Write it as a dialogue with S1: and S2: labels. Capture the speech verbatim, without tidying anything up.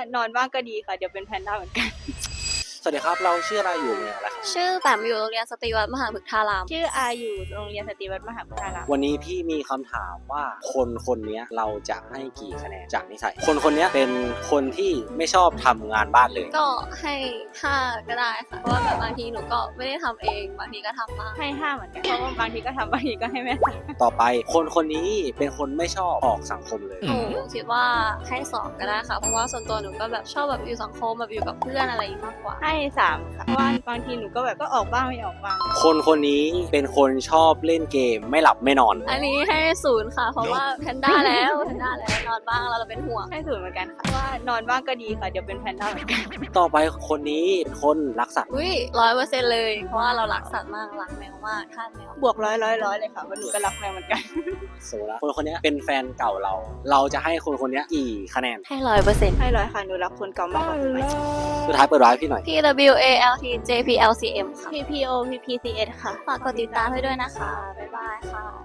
S1: นอนบ้างก็ดีค่ะเดี๋ยวเป็นแพนด้าเหมือนกัน
S2: สวัสดีครับเราชื่ออะไรอยู่เนี่ยอะไรครับ
S3: ชื่อแปมอยู่โรงเรียนสตรีวัดมหาพฤกษาราม
S1: ชื่ออาอยู่โรงเรียนสตรีวัดมหาพฤกษาราม
S2: วันนี้พี่มีคำถามว่าคนคนนี้เราจะให้กี่คะแนนจากนิสัยคนคนนี้เป็นคนที่ไม่ชอบทำงานบ้านเลย
S3: ก็ให้ห้าก็ได้ค่ะเพราะว่าแบบบางทีหนูก็ไม่ได้ทำเองบางทีก็ทำบ้าง
S1: ให้ห้าเหมือนกันเพราะว่าบางทีก็ทำบางทีก็ให้แม่ทำ
S2: ต่อไปคนคนนี้เป็นคนไม่ชอบออกสังคมเลย
S3: หนูคิดว่าให้สองก็ได้ค่ะเพราะว่าส่วนตัวหนูก็แบบชอบแบบอยู่สังคมแบบอยู่กับเพื่อนอะไรอย่างนี้มากกว่า
S1: ให้สามค่ะเพราะว่าบางทีหนูก็แบบก็ออกบ้างไม่ออกบ้าง
S2: คนคนนี้เป็นคนชอบเล่นเกมไม่หลับไม่นอน
S3: อันนี้ให้ศูนย์ค่ะเพราะว่าแพนด้าแล้วแพนด้าแล้วนอนบ้างเราเราเป็นห่วง
S1: ให้ศูนย์เหมือนกันค่ะเพราะว่านอนบ้างก็ดีค่ะเดี๋ยวเป็นแพนด้าเหมือนกัน
S2: ต่อไปคนนี้เป็นคนรักสัตว์
S3: อุ้ยร้อยเปอร์เซ็นต์เลยเพราะว่าเรารักสัตว์มากรักแมวมากทาสแมว
S1: บวกร้อยร้อยร้อยเลยค่ะเพราะหนูก็รักแมวเหมือนกัน
S2: โซล่าคนคนนี้เป็นแฟนเก่าเรา เราจะให้คนคนนี้กี่คะแนน
S3: ให้ร้อยเปอร์เซ็นต์
S1: ให้ร้อยค่ะหนูรักคนเก่ามากกว่าคนใหม่
S2: สุดท้ายเปิดร้านพี่หน่อย
S3: P W A L T J P L C M ค่ะ
S1: P P O P P C S ค่ะ
S3: ฝากกดติดตามให้ด้วยนะคะบ๊ายบายค่ะ